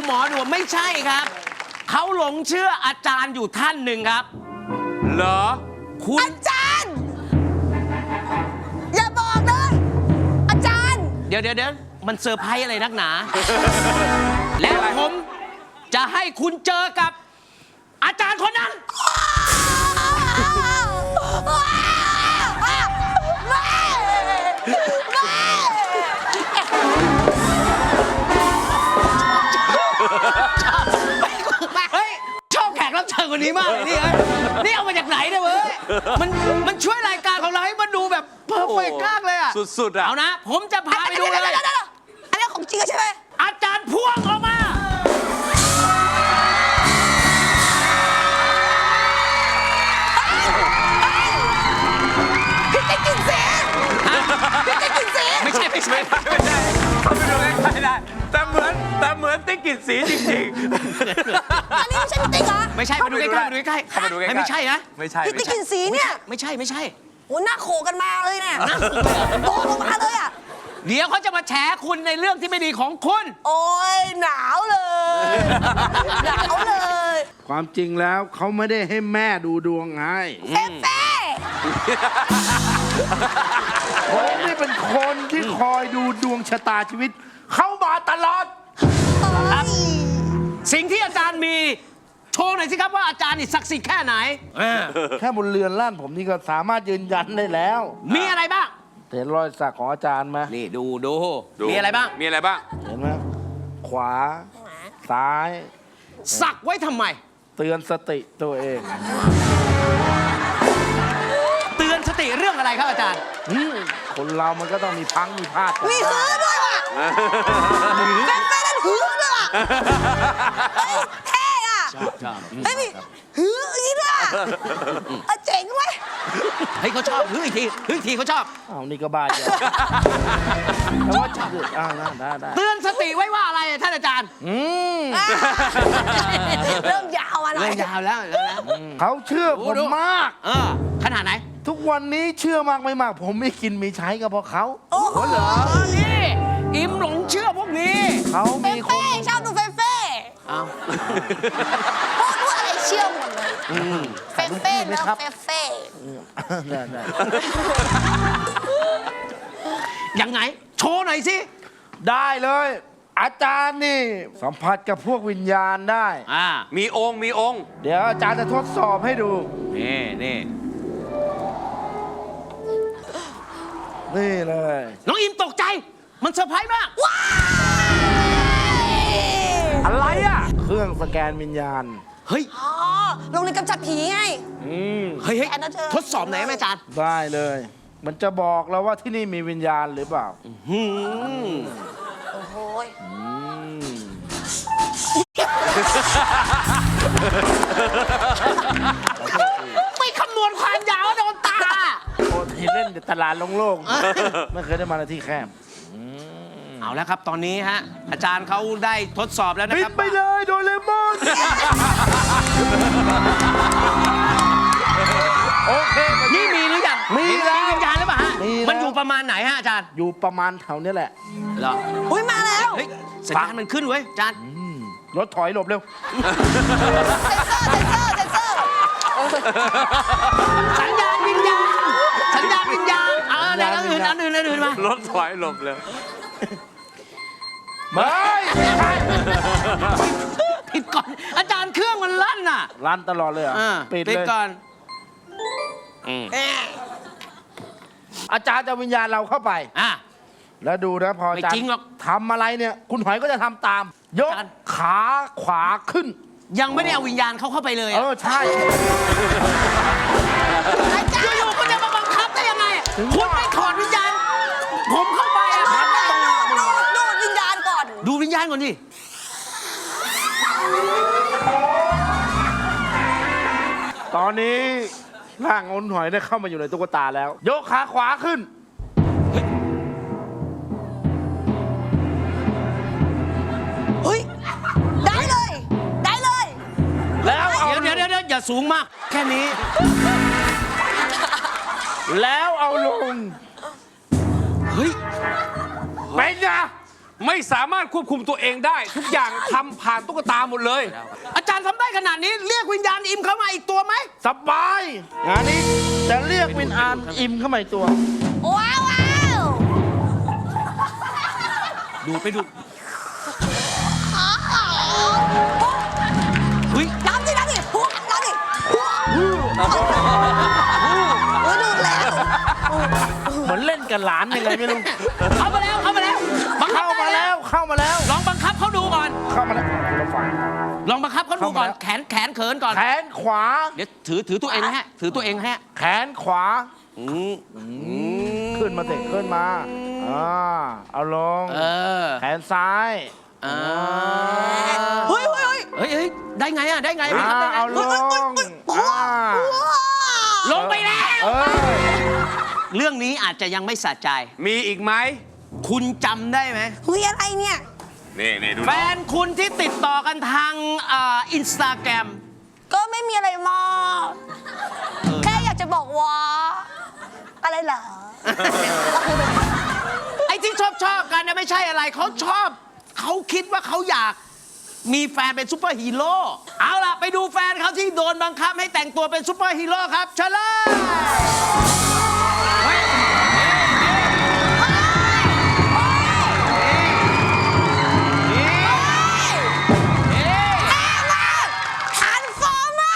หมอดูไม่ใช่ครับเขาหลงเชื่ออาจารย์อยู่ท่านหนึ่งครับเหรอคุณอาจารย์อย่าบอกเลยอาจารย์เดี๋ยวมันเซอร์ไพรส์อะไรนักหนา แล้วผมจะให้คุณเจอกับอาจารย์คนนั้นเฮ้ยชอบแขกรับเชิญคนนี้มากเลยนี่เอามาจากไหนเนี่ยเว้ยมันช่วยรายการของเราให้มันดูแบบเพอร์เฟกต์มากเลยอะสุดๆอะเอานะผมจะพาไปดูเลยอันนี้ของจริงใช่ไหมอาจารย์พ่วงออกมาพี่จะกินเสียพี่จะกินเสียไม่ใช่เขาไปดูใกล้ๆได้แต่เหมือนติ๊กกลิ่นสีจริงๆอันนี้ไม่ใช่พี่ติ๊กเหรอไม่ใช่ไปดูใกล้ไม่ใช่นะไม่ใช่พี่ติ๊กกินสีเนี่ยไม่ใช่โอ้หน้าโขกันมาเลยเนี่ยโตลงมาเลยอ่ะเดี๋ยวเขาจะมาแฉคุณในเรื่องที่ไม่ดีของคุณโอ้ยหนาวเลยหนาวเลยความจริงแล้วเขาไม่ได้ให้แม่ดูดวงให้เฟ่ผมนี่เป็นคนที่คอยดูดวงชะตาชีวิตเข้ามาตลอดครับสิ่งที่อาจารย์มีโชว์หน่อยสิครับว่าอาจารย์นี่ศักดิ์สิทธิ์แค่ไหนแค่บนเรือนร่างผมนี่ก็สามารถยืนยันได้แล้วมีอะไรบ้างเห็นรอยสักของอาจารย์ไหมนี่ดูมีอะไรบ้างเห็นไหมขวาซ้ายสักไว้ทำไมเตือนสติตัวเองเตือนสติเรื่องอะไรครับอาจารย์คนเรามันก็ต้องมีพังมีพลาดมีหื้อด้วยว่ะเฟ่นั่นหื้อด้วยว่ะเท่อะเฮ้ยหื้ออย่างนี้ด้วยเจ๋งเว้ยเฮ้ยเขาชอบหื้ออีกทีเขาชอบนี่ก็บ้าอยู่แต่ว่าชอบได้เตือนสติไว้ว่าอะไรท่านอาจารย์เริ่มยาวมาหน่อยเริ่มยาวแล้วเขาเชื่อผมมากขนาดไหนทุกวันนี้เชื่อมากไม่มากผมไม่กินมีใช้ก็เพราะเขาโอ้โหเหรอนี่อิมหลงเชื่อพวกนี้เขามีคนชอบดูเฟ่พูดอะไรเชื่อหมดเลยเฟ่แล้วเฟ่ยังไงโชว์หน่อยสิได้เลยอาจารย์นี่สัมผัสกับพวกวิญญาณได้มีองค์เดี๋ยวอาจารย์จะทดสอบให้ดูนี่เลยน้องอิมตกใจมันเซอร์ไพรส์มากอะไรอ่ะเครื่องสแกนวิญญาณเฮ้ยโรงเรียนกำจัดผีไงเฮ้ยทดสอบไหนไหมอาจารย์ได้เลยมันจะบอกเราว่าที่นี่มีวิญญาณหรือเปล่าโอ้โหไม่คำนวณความยาวโดนตาโอ้ที่เล่นตลาดโล่งๆไม่เคยได้มาในที่แคบเอาแล้วครับตอนนี้ฮะอาจารย์เขาได้ทดสอบแล้วนะครับปิดไปเลยโดเรมอนโอเคนี่มีหรือยังมีแล้ววิญญาณหรือเปล่าฮะมันอยู่ประมาณไหนฮะอาจารย์อยู่ประมาณแถวนี้แหละเหรอมาแล้วสัญญาณมันขึ้นเว้ยอาจารย์รถถอยหลบเร็วเซ็นเซอร์สัญญาณวิญญาณแล้วอื่นมารถถอยหลบเร็วไม่ใช่ปิดก่อนอาจารย์เครื่องมันลั่นน่ะลั่นตลอดเลยปิดก่อนอาจารย์จะวิญญาณเราเข้าไปแล้วดูนะพออาจารย์ทำอะไรเนี่ยคุณหอยก็จะทำตามยกขาขวาขึ้นยังไม่ได้เอาวิญญาณเข้าไปเลยใช่อยู่ๆก็จะมาบังคับได้ยังไงคุณไม่ถอดวิญญาณผมเข้าไปดูวิญญาณก่อนดูวิญญาณก่อนดิตอนนี้ร่างคุณหอยได้เข้ามาอยู่ในตุ๊กตาแล้วยกขาขวาขึ้นเฮ้ยได้เลยแล้วเดี๋ยวอย่าสูงมากแค่นี้แล้วเอาลงเฮ้ยเป็นไงไม่สามารถควบคุมตัวเองได้ ทุกอย่างทำผ่านตุ๊กตาหมดเลยอาจารย์ทำได้ขนาดนี้เรียกวิญญาณอิมเข้ามาอีกตัวไหมสบายงานนี้จะเรียกวินอานอิมเข้ามาอีกตัวว้าวว้าวดูไปดูเฮ้ยน้ำดิน้ำดิหัวน้ำดิหัวดูแล้วเหมือนเล่นกับหลานยังไงไม่รู้เข้ามาแล้วเข้ามาแล้วบังคับเข้ามาได้แล้วเข้ามาแล้วลองบังคับเขาดูก่อนเข้ามาแล้วเราฟังลองบังคับเขาดูก่อนเข้ามาแล้วแขนเขินก่อนแขนขวาเดี๋ยวถือตัวเองนะฮะถือตัวเองนะฮะแขนขวาขึ้นมาเตะขึ้นมาเอาลง แขนซ้ายเฮ้ยเฮ้ยเฮ้ยได้ไงอ่ะได้ไงบังคับได้ไงเอาลงลงไปแล้วเอ้ยเรื่องนี้อาจจะยังไม่สะใจมีอีกไหมคุณจำได้ไหมเฮ้ยอะไรเนี่ยนี่ดูแฟนคุณที่ติดต่อกันทางอินสตาแกรมก็ไม่มีอะไรมากแค่อยากจะบอกว่า อะไรเหรอไอ้ที่ชอบกันเนี่ยไม่ใช่อะไรเขาชอบ เขาคิดว่าเขาอยากมีแฟนเป็นซูเปอร์ฮีโร่เอาล่ะ ไปดูแฟนเขาที่โดนบังคับให้แต่งตัวเป็นซูเปอร์ฮีโร่ครับเชิญเลยเฮ้ยทันฟอร์มา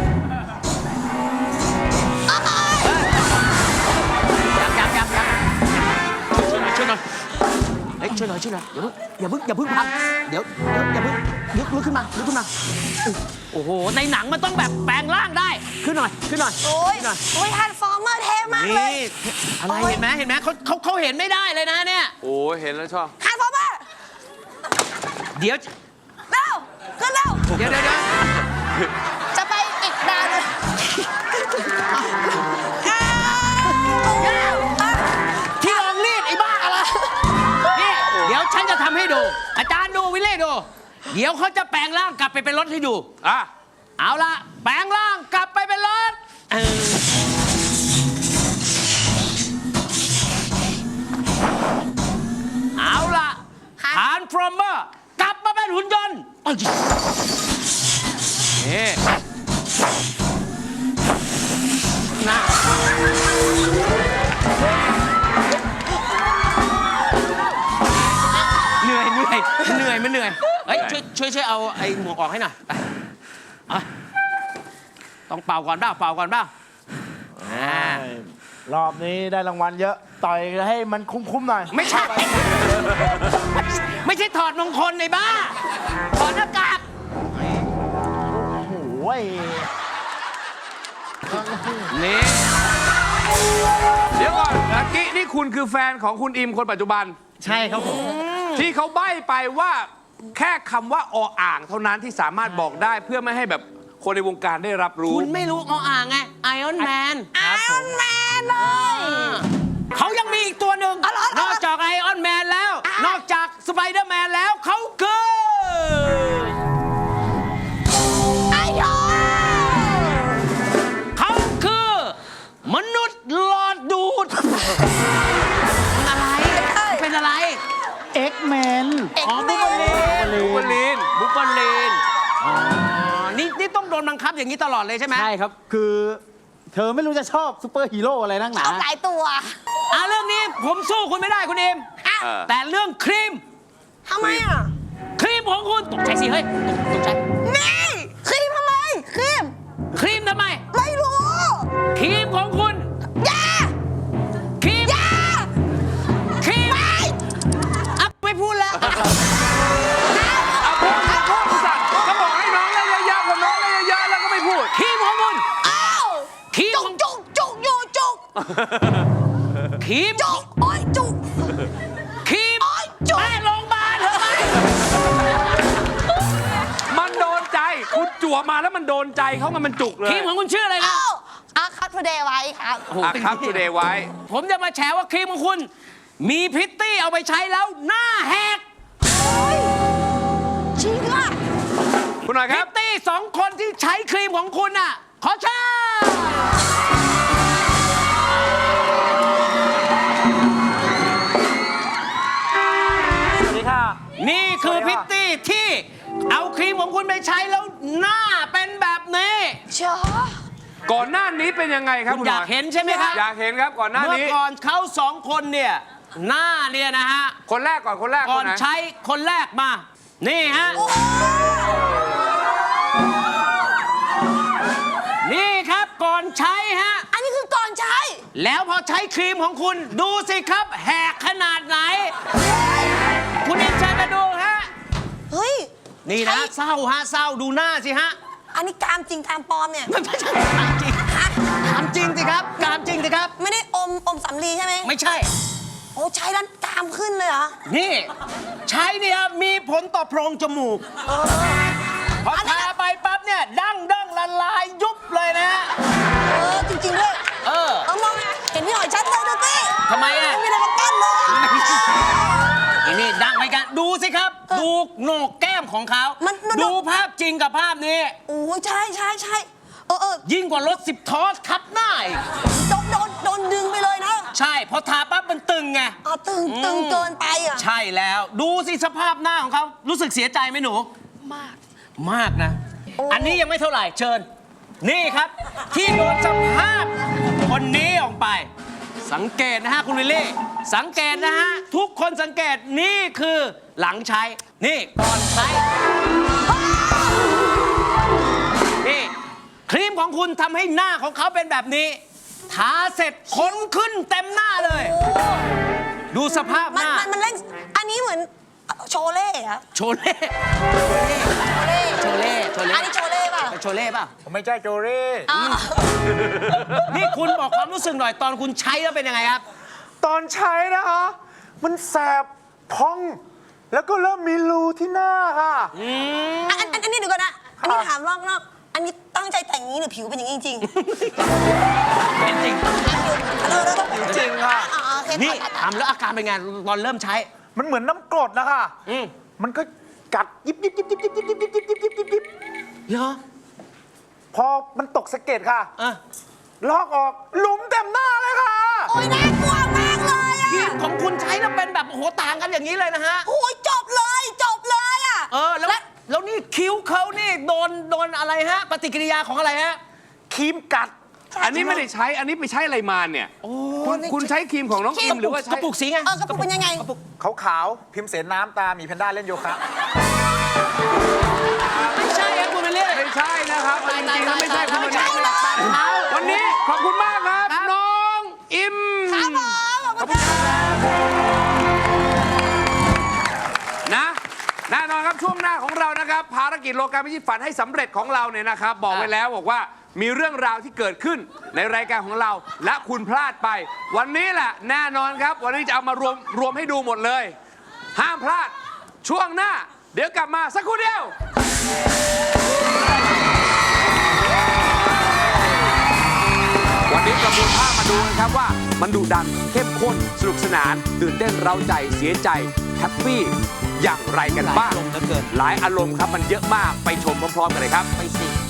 ยังช่วยหน่อยเฮ้ยช่วยหน่อยอย่าเพิ่งพังเดี๋ยวอย่าเพิ่งลุกขึ้นมาโอ้โหในหนังมันต้องแบบแปลงร่างได้ขึ้นหน่อยโอ้ยขึ้นหน่อยโอ้ยทันฟอร์เมอร์เท่มากเลยนี่อะไรเห็นไหมเขาเห็นไม่ได้เลยนะเนี่ยโอ้เห็นแล้วชอบทันฟอร์เมอร์เดี๋ยวเร็วขึ้นเร็วเดี๋ยวจะไปอีกดาวเลยที่รองรีดไอ้บ้าอะไรนี่เดี๋ยวฉันจะทำให้ดู อาจารย์ดูวิเล่ดู เดี๋ยวเขาจะแปลงร่างกลับไปเป็นรถให้ดู เอาละแปลงร่างกลับไปเป็นรถเอาละทานฟรอมเมอร์กลับมาเป็นหุ่นยนต์นี่นะเหนื่อยมันเหนื่อยเฮ้ยช่วยเอาไอ้หมวกออกให้หน่อยไปต้องเป่าก่อนเปล่ารอบนี้ได้รางวัลเยอะ ต่อยให้มันคุ้มๆหน่อยไม่ใช่ ไม่ใช่ถอดมงคลในบ้า ถอดหน้ากากโอ้ยนี่เดี๋ยวก่อนเมื่อกี้นี่คุณคือแฟนของคุณอิมคนปัจจุบันใช่ครับผมที่เขาใบ้ไปว่าแค่คำว่าออ่างเท่านั้นที่สามารถบอกได้เพื่อไม่ให้แบบคนในวงการได้รับรู้คุณไม่รู้อ่างไงไอออนแมนไอออนแมนเลยเขายังมีอีกตัวหนึ่งอะไรนอกจากไอออนแมนแล้ว นอกจากสไปเดอร์แมนแล้วเขาคือไอโยเขาคือ มนุษย์หลอดดูดเป็นอะไรเอ็กแมนอ๋อบุบลีนบุบลีนบุบลีนอ๋อนี่ต้องโดนบังคับอย่างนี้ตลอดเลยใช่ไหมใช่ครับ คือเธอไม่รู้จะชอบซูเปอร์ฮีโร่อะไรนักหนาเอาหลายตัวเรื่องนี้ผมสู้คุณไม่ได้คุณเอมอ่ะแต่เรื่องครีมทำไมอ่ะครีมของคุณตกใจสิเฮ้ยตกใจนี่ครีมทำไมครีมครีมทำไมไม่รู้ครีมของคุณอย่าครีมอย่าครีมไม่พูดแล้วเอาพูดสั่งเขาบอกให้น้องเล่นเยอะๆผมน้องเล่นเยอะๆแล้วก็ไม่พูดครีมของคุณอ้าวครีมจุขกองจุกจุกอยู่จุกครีมจุกโอ้ยจุกครีมโอ๊ยจุ๊บแม่โรงพยาบาลเถอะไหมมันโดนใจ คุณจั่วมาแล้วมันโดนใจเขามันจุกเลยครีมของคุณชื่ออะไรนะอ้าวอาคัตพเดย์ไว้ครับครับทูเดย์ไว้ผมจะมาแฉว่าครีมของคุณ มีพริตตี้เอาไปใช้แล้วหน้าแหกจริงอ่ะคุณหน่อยพคริรับตตี้2 คนที่ใช้ครีมของคุณน่ะ ขอเชิญสวัสดีครัที่เอาครีมของคุณไปใช้แล้วหน้าเป็นแบบนี้เชียวก่อนหน้านี้เป็นยังไงครับคุณคุณอยากหอยเห็นใช่ไหมครับอยากเห็นครับก่อนหน้าเมื่อนี้ก่อนเขาสองคนเนี่ยหน้าเนี่ยนะฮะคนแรกก่อนคนแรกก่คอนนไหนใช้คนแรกมา นี่ฮะ นี่ครับก่อนใช้ฮะอันนี้คือก่อนใช้แล้วพอใช้ครีมของคุณดูสิครับ แหกขนาดไหน คุณเอ็นชัยมาดูฮะเฮ้ยนี่นะใช้เศร้าฮะเศร้าดูหน้าสิฮะอันนี้กามจริงกามปลอมเนี่ยมันไม่ใช่กามจริงกามจริงสิครับกามจริงสิครับไม่ได้อมสำลีใช่ไหมไม่ใช่โอ้ใช้แล้วกามขึ้นเลยเหรอนี่ใช้เนี่ยมีผลต่อโพรงจมูก พอทาไปปั๊บเนี่ยดั้งละลายยุบเลยนะฮะจริงๆด้วยเออมองเห็นพี่หอยชัดเลยดูสิทำไมอ่ะไม่มีอะไรมากั้นเลยอีนี่ดังไปกันดูสิครับ ดูโหนกแก้มของเขามันดูภาพจริงกับภาพนี้โอ้ใช่ยิ่งกว่ารถ10 ทอสทับหน้าอีกโดนดึงไปเลยนะใช่พอทาปั๊บมันตึงไงตึงเกินไปอ่ะใช่แล้ว ดูสิสภาพหน้าของเขารู้สึกเสียใจไหมหนู มากนะ อันนี้ยังไม่เท่าไหร่เชิญ นี่ครับ ที่โดนสภาพคนนี้ออกไป สังเกตนะฮะคุณวิลลี่ สังเกตนะฮะ ทุกคนสังเกตนี่คือหลังใช้ นี่ก่อนใช้ นี่ครีมของคุณทำให้หน้าของเขาเป็นแบบนี้ ทาเสร็จขนขึ้นเต็มหน้าเลย ดูสภาพหน้ามันเล่นอันนี้เหมือนโชเล่อะโชเล่ โชเล่อันนี้โชเล่ป่ะโชเล่ป่ะผมไม่ใช่โจเร่นี่คุณบอกความรู้สึกหน่อยตอนคุณใช้แล้วเป็นยังไงครับตอนใช้นะคะ มันแสบพอง แล้วก็เริ่มมีรูที่หน้าค่ะอันนี้เดี๋ยวก่อนนะ อันนี้ถามรอบนอกอันนี้ตั้งใจแต่งอย่างนี้หรือผิวเป็นอย่างนี้จริงเป็นจริงๆจริงค่ะนี่ทำแล้วอาการเป็นไงตอนเริ่มใช้มันเหมือนน้ำกรดนะคะอืมมันก็กัดยิบยิบยิบยิบยิบยิบยิบยิบยิบยิบยิบยิบยิบเหรอพอมันตกสะเก็ดค่ะอ่ะลอกออกหลุมเต็มหน้าเลยค่ะโอ้ยน่ากลัวมากเลยอะครีมของคุณใช้แล้วเป็นแบบโอ้โหต่างกันอย่างนี้เลยนะฮะโอ้ยจบเลยอะแล้วนี่คิ้วเขานี่โดนอะไรฮะ ปฏิกิริยาของอะไรฮะครีมกัดอันนี้ไม่ได้ใช้อันนี้ไปใช้อะไรมาเนี่ยคุณใช้ครีมของน้องอิมหรือว่าใช้กระปุกสีไงกระปุกเป็นยังไงขาวๆ พิมพ์เสนน้ำตา มีแพนด้าเล่นโยคะไม่ใช่ครับคุณวิลลี่ไม่ใช่นะครับเอาจริงๆแล้วไม่ใช่คุณวันนี้ไม่ใช่เลยวันนี้ขอบคุณมากครับ น้องอิมครับผมขอบคุณครับนะแน่นอนครับช่วงหน้าของเรานะครับภารกิจโลกาพิชิตฝันให้สำเร็จของเราเนี่ยนะครับ บอกไว้แล้วบอกว่ามีเรื่องราวที่เกิดขึ้นในรายการของเรา และคุณพลาดไป วันนี้แหละแน่นอนครับ วันนี้จะเอามารวมให้ดูหมดเลย ห้ามพลาดช่วงหน้า เดี๋ยวกลับมาสักครู่เดียว วันนี้ประมวลภาพมาดูกันครับว่ามันดุดันเข้มข้นสนุกสนานตื่นเต้นเร้าใจเสียใจแฮปปี้อย่างไรกันบ้างหลายอารมณ์เหลือเกินหลายอารมณ์ครับมันเยอะมากไปชมพร้อมๆกันเลยครับไปสิ